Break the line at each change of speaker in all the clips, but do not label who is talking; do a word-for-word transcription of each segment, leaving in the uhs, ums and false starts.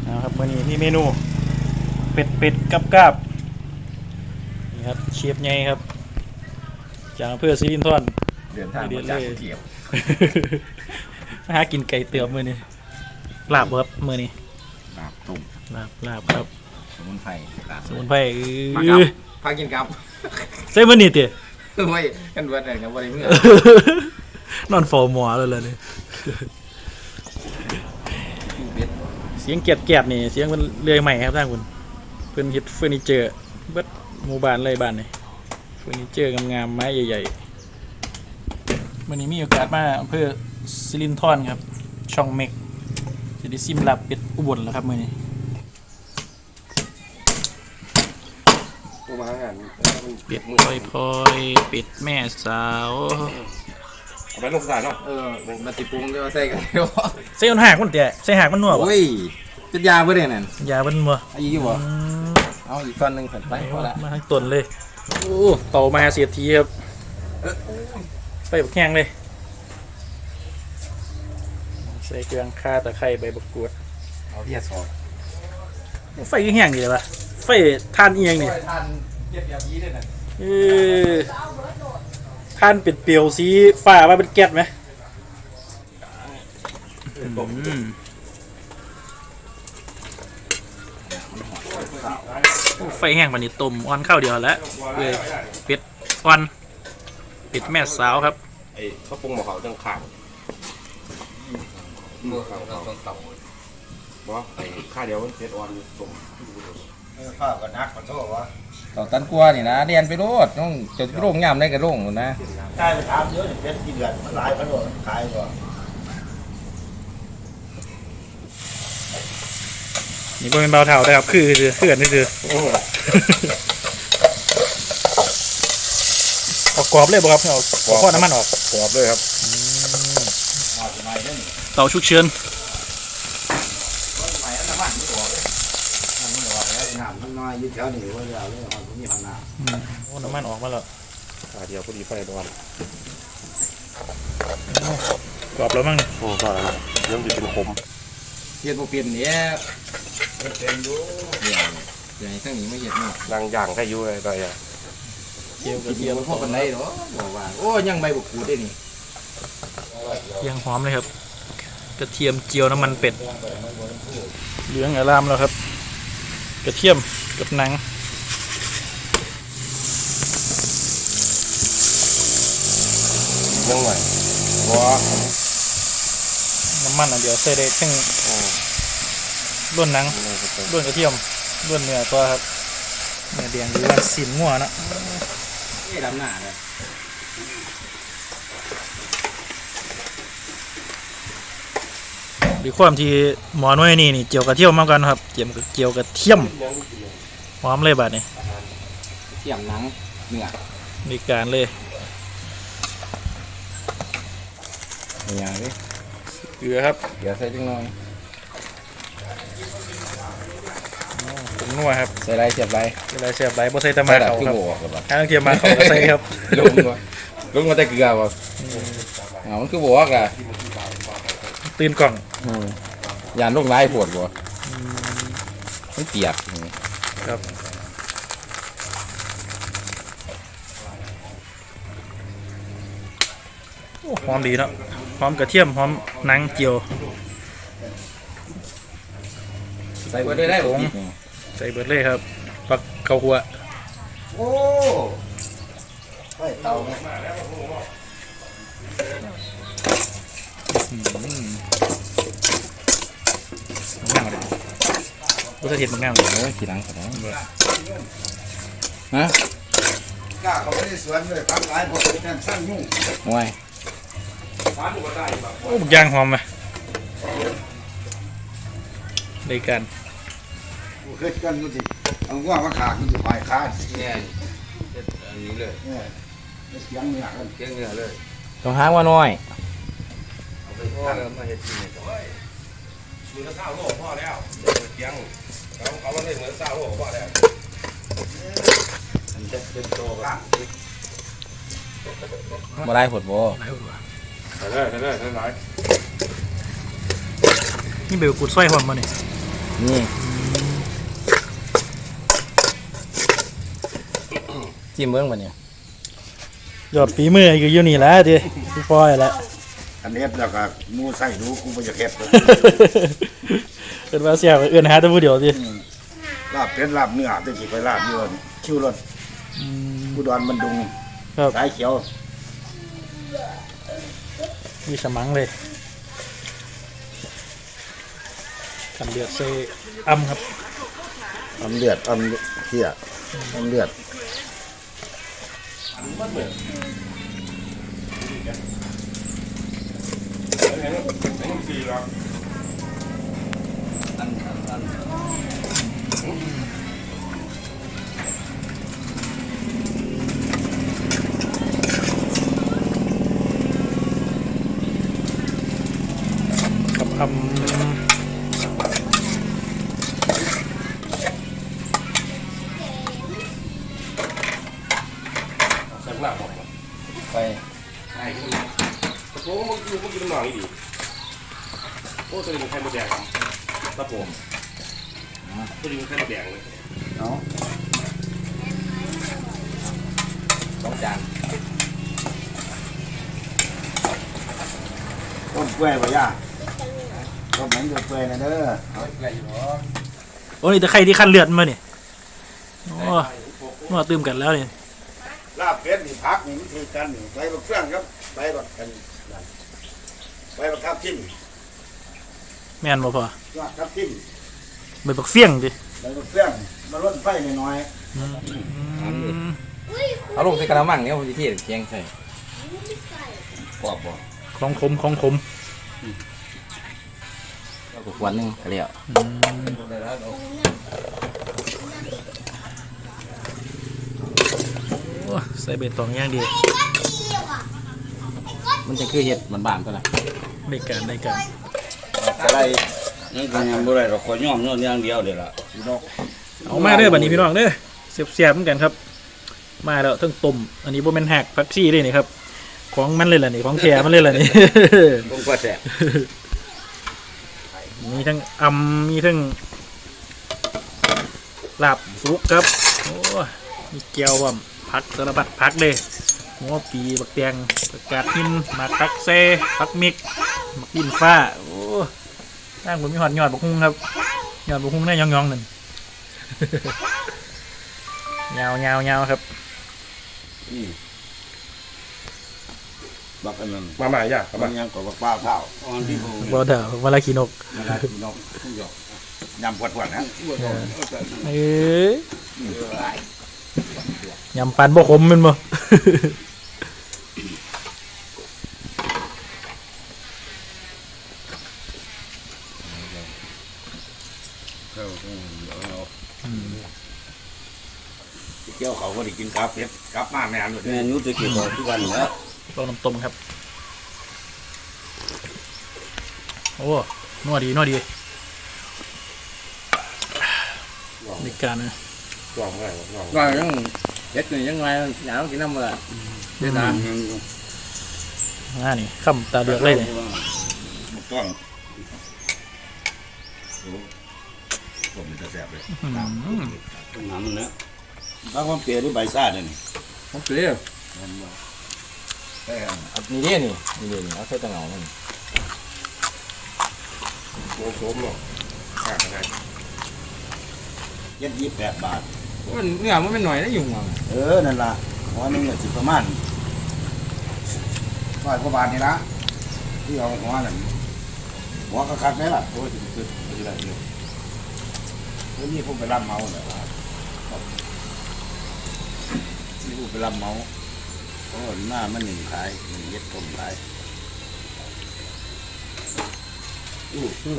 นะครับวันนี้มีเมนูเป็ดเป็ดกับกาบนี่ครับเชฟไงครับจากอำเภอศรีรินทร
เดินทางมาจากกรุงเทพ
มาหากินไก่เตือบมือนี่ลาบครับมือนี่
ลาบตุ่ม
ลาบลาบครับ
สมุนไพรลาบ
สมุนไพร
พา
เอ
กับ
อ
พากินกับ
ใส่มือนี่เตี๋ย
ไว้กันวันไหนกันวันไหนเมื่อน
อนเฝ้าหมอเลยเลยนี่เสียงเกียดเกียดนี่เสียงมันเลื่อยใหม่ครับท่านคุณเพื่อนฮิตเฟอร์นิเจอร์เบิดหมู่บ้านเลยบ้านนี่เฟอร์นิเจอร์งามๆไม้ใหญ่ๆวันนี้มีโอกาสมาอำเภอสิรินธรครับช่องเมกจะได้ซิมลาบเป็ดอุบลแล้วครับมื้อนี้
ตัวมางาน
เป็ดพลอยพลอยเป็ดแม่สาว
เอาไปลงสถานเนาะเออมาติปรุงจะมาใส่กันเนาะ
ใส่มันหักมันเตะใส่หักมันนัวบ่
โอ้ยเป็นยาเพื่อนนั่น
ยามันนัว
อายุบ่เอาอีกก้อนหนึ่งใส่ไปพอละ
มาทั้งต้นเลยโอ้เต่ามาเสียทีครับไปบักแห้งเลยใส่เครื่องข่าตะไคร้ใบบักกรูด
เอาเพียซอย
ไฟก็แห้งดีเลยวะไฟทานเอียงนี่
ทานเก็บยาพีด้วยนะ
เออทานเป็นเปลียวสีฟ้าว่าเป็นแก๊สไหมอืมโอ้ไฟแห้งปานนี้ต้มอ่อนข้าวเดียวแล้วเลยเป็ดอ่อนเป็ดแม่สาวครับ
ไอ้เขาปรุงหมอเขาจังขาง
เมื่อเขาเราต้องเต่า
บ่ไอ้ข้าเดียวมันเผ็ดอ่อนสม
ข้าวก็นักขอโทษวะเต่าตันกลัวนี่นะเรียนไปโลดต้องจะโรงงามได้กับโรงหมดนะ
ใช่ไปถามเยอะเป็นกี่เดือนมันหลายพันโลขายกว่า
นี่เป็นเบาเท่าได้ครับคือคือคือกันนี่คือออกกรอบเลยบ่ครับเอาเอาข้อน้ำมันออก
กรอบเลยครับ
เตาชุกเชิญ
น้ำมันน้อยยืดแถวนี้ว่าเราเรื่องของมีพันนา
โอ้น้ำมันออกมาแล้ว
ข้าเดียวพอดีไฟอ่อน
กรอบแล้วมั้ง
โอ้ก็แล้วเริ่มจะเป็นขม
เปลี่ยนบ่เปลี่ยนเนี่ยเป็นดูอย่างอย่างทั้งนี้ไม่เห็นเนาะ
นางย่างให้อยู่เลยได้อะ
เจียวก
กิ
ระ
น
เที
เดี
ย
ยว
ม
มันพอกันได้เหรอบอกว่าโอ้ยังใบบุกขูดได้นี่
เทียงหอมเลยครับกระเทียมเจียวน้ำมันเป็ดเหลืองอารามแล้วครับกระเทียมกับหนัง
ยังไงว้า
น้ำมันอันเดียวใส่ได้ทั้งล้วนหนังล้วนกระเทียมล้วนเนื้อตัวครับเนื้อแดงหรือว่าสินงัวเนาะ
นี่ดำหน้าเลย
ด้วยความที่หมอน้อยนี่นี่เจียวกระเทียมมากกันครับเจียวเจียวกระเทียมหอมเลยบาดนี้
เทียมหนังเนื้อ
มีการเลย
อย่างนี้
เกลือครับ
เดี๋ยวใส่จังหน่อย
ผงนัวครับ
ใส่ไรเสียบไร
เวลาเสียบใบบ่ใส่แตะมา
แบบ
เขา
คือ
ครับ
โบกหรือเปล่า
ถ้าต้องเทียมมาเขาก็ใส่ครับ
ลงวะลงมาแต่เกลือป่ะอ๋อมันคือโบกอะ
ตื่นกล่อง
ยานลูกไล่ปวดบ่มันเปียก
ครับโอ้หอมดีเนาะหอมกระเทียมหอมหนังเจียว
ใส่ไว้ได้ได้ผม
ใส่เบิดเลยครับปักข้าวคั่ว
โอ้ไอ้เตาเนี่ย
ง่ายเลยรู้สึกเห็นมันง่ายเลย
โอ้ยขี้หลังขนาดนั้นฮะ
กล้าเขาไม่ได้สวนเลยพักหลายพวกแทนสร้างยุ่ง
โอ้ย
โอ้บุกย่างหอมไหมได้กัน
กูเคยกันดูสิเอาว่ามาขาคุณจะพายขา
เนี่ยอันนี้เลย
เนี่ยเสียงเนี่ยกัน
เกี่ยงเนื้อเลยต้องหางว่าน้อย
เอาไปตั้ง
มาเห็ดกิน
มือละเศร้าโลกพ่อแล้วเที่ยงเขาเขาว่าได้เหมือนเศร้าโลกพ่อแล้ว
มันจะเป็นโตกัน
มาได้ผดบ่
ใส่เลยใส่เลยใส่เลย
นี่เบลกูดสร้อยหอมมาเนี่ย
โนี่จิ้มเบิ้งมาเนี่ย
ยอดฝีมืออยู่อยู่นี่แหละดิพี่ปอยแหละ
อันนี้แล้วก็หมูใส่ดูกูบ่อยากเฮ็ดเลย
เกิดว่าเสียเอื้อนหาแต่ผู้เดียวดิ
ลาบเป็ดลาบเนื้อจะสิไปลาบอยู่คิวรถ
อืม
อุดรมันดุง
ครับ
สายเขียว
มีสมังเลยทำเดือดเซอัมครับ
อำเลือดอำเหี้ยอำเลือด
ไอ้นี่ไอ้นี่สี่หรอ
กับคำ
ใส่หน้าบอก
ไป
ใช่ขึ้นมาตะโกนมันกินมันกินหน่อยดีโอ้ตัวนี้มันไข่มดแดงตะโกนตัวนี้มันไข่มดแดงเลย
เนาะ
สองจาน
ต้มเปื่อยบ่ย่าต้มแห้งเปื่อยๆนะเด้อ
เอาไปอยู่หรอ
โอ้นี่แต่ใครที่ขั้นเลือดมาเนี่ยโอ้นัวตื่มกันแล้วเนี่ย
ลาบเป็ดนี่พักนี่วิธีการนี่ใบบักเฟืองครับใบบักกันนั่นใบบักทับทิม
แม่นบ่พอย
อดทับทิม
ใบบักเฟี้ยงดิ
ใบบักเฟืองมาลดไฟหน่อย
อืม
เอาลงใส่กระมังเนี่ยผมจะเทเคียงใส่
ๆกรอบบ่
ของขมของขม
แล้วก็ขวดหนึงก็แล้ว
อืมโอ้ใส่เบ็ดตองอย่างดี
มันจะคือเห็ดเหมือนบ้านตัวละ
ได้การได้การ
อะไรนี่ก็ยังบ่ได้ดอกขอย่อมย่อมอย่างเดียวเด้ล่ะพี่น้อง
เอามาเด้อบัดนี้พี่น้องเด้อเสียบๆเหมือนกันครับ มาแล้วทั้งต้มอันนี้บ่แม่นหักผักชีเลยนี่ครับของมันเลยล่ะนี่ของแท้มันเลยล่ะนี่
ผมก็แซ่บ
มีทั้งอำมีทั้งลาบสุกครับโอ้ยมีเกี๊ยวบ่มผักสารพัดผักเลยหัวปีบักแตงผักกาดหินหมากผักเซผักมิกหมักดินฟ้าโอ้ตั้งผมมีหอดยอดบักฮุ้งครับยอดบักฮุ้งได้ยองๆนั่น ยาวยาวยาวครับ
อืมบักอันนั้น
มาใหม่ย่า
มันยังกว่าบักปลาเผาอ่อนที่หู
บ่เด้อเวลาขี้นก
เวลาพี่น้องทุกหยอกยำปวดๆนะ
เอ้ยยำปันบ่ขมแมันบ่
เกี่ยวเขาก็ได้กินกราฟเพชรกราฟมาแม่นแม่นุ้จะกินบ่ทุกวันแล้ว
ลองน้ำต้มครับโอ้นัวดีนัวดีในการนะ
ลองได้ลอง
ว่ายังเห็ดนี่ยังไงอยากกินน้ำมันละเดี๋ยวนะ
อ่านี่คำตาเดือกเลยเนี่ย
ต้องโอ้ผมจะแสบเลย
อืม
น้ำมันนะบางความเปรี้ยวหรือใบซ่าเนี่ยนี่
ผมเปรี้ยว
มันบ่
นี่เด้นี่นี่เด้นี่เอาใส่ตะเหงามัน
โอ้โหเนาะขาดอะไร
เจ็ดยี่สิบแปดบาท
มันเนื้อมันเป็นหน่อยได้อยู่มั้ง
เออนั่นล่ะหัวหนึงเนี่ยสิประมาณร้อยกว่าบาทนี่ละที่เอาหัวนั่นหัวก็คัดไหมล่ะ
โอ้ยคือคืออะไรเนี่ย
เดี๋ยวนี้ผมไปรับเมาเลยว่าที่ผมไปรับเมาเพราะว่าหน้ามันหนึ่งขายหนึ่งเย็ดต้มขาย
อืออือ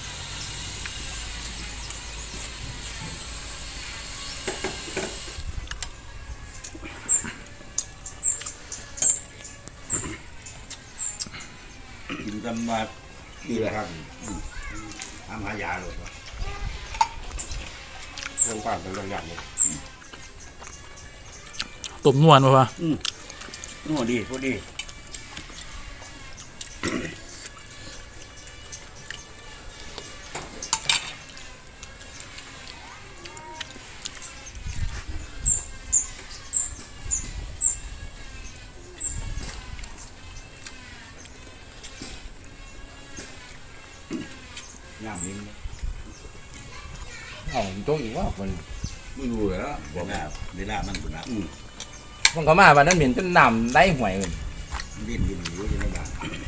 กินกันมาปีละครั้งอืมทำหายาเลยว่ะ
เรื่องปั่นเป็นเรื่องใหญ่เนี่ย
ต้มนวลป่ะวะ
โอ้ดีพอดี
ห็นเอ้าโต๊ะอีกว่าคน
ไม่รู้เลยนะเวลาเวลามันบุญนะ
มันเขามาวันนั้นเห็นจนน้ำได้ห่วยเลย
ดิ้นดิ้นอยู่ที่ในบ้าน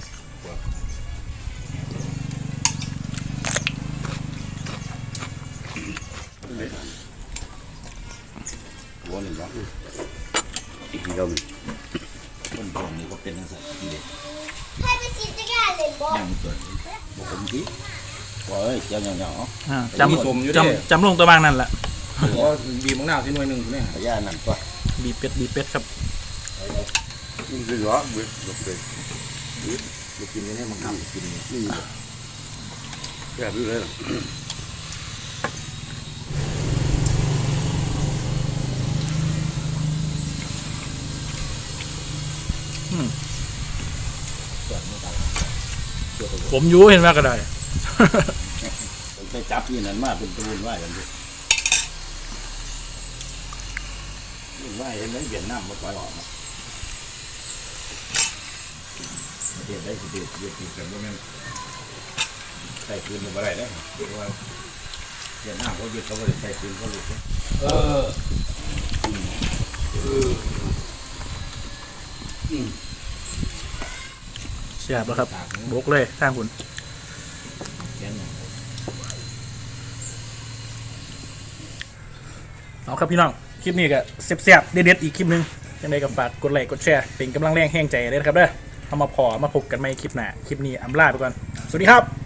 หัวหนึ่งวะอีกทีเดียวหนึ่งคนตรงนี้ก็เป็นนักสัตว์ที่เด็ก
ให้ไปฉีดจักรยานเลยบอก
ยังเกิดบอกผมทีว่าเอ้ยเจ้าเหนียว
อ่าจำจำจำลงตัวบางนั่นแหละ
ก็บีบมังนาวที่หน่วยหนึ่งเนี่ย
ๆพยานั่นก็
บีบเป็ดบีบเป็ดครับ
นี่คือเหรอเว้ยลูกเป็ดลูกกินนี่มันทำกินนี่แบบนี้เลย
ผมอยูเห็นว่าก็ได้
ไปจับนี่นั่นมาเป็นตูนไหวกันดิไหวเห็นไหมเวียดนามมาปล่อยออกมาเด็ดได้สิเด็ดเด็ดติดกันว่าแม่งใส่ปืนมาอะไรได้เพราะว่าเวียดนามเขาหยุดเขาไม่ได้ใส่ปืนเขาหลุดเออเออ
เสียบแล้วครับบกเลยข้างคุณเอาครับพี่น้องคลิปนี้ก็เสียบๆเด็ดๆอีกคลิปหนึงยังไงก็ฝากกดไลค์กดแชร์เป็นกำลังแรงแห้งใจเลยนะครับเด้อเอามาพอมาพบกันใหม่คลิปหน้าคลิปนี้อำลาไปก่อนสวัสดีครับ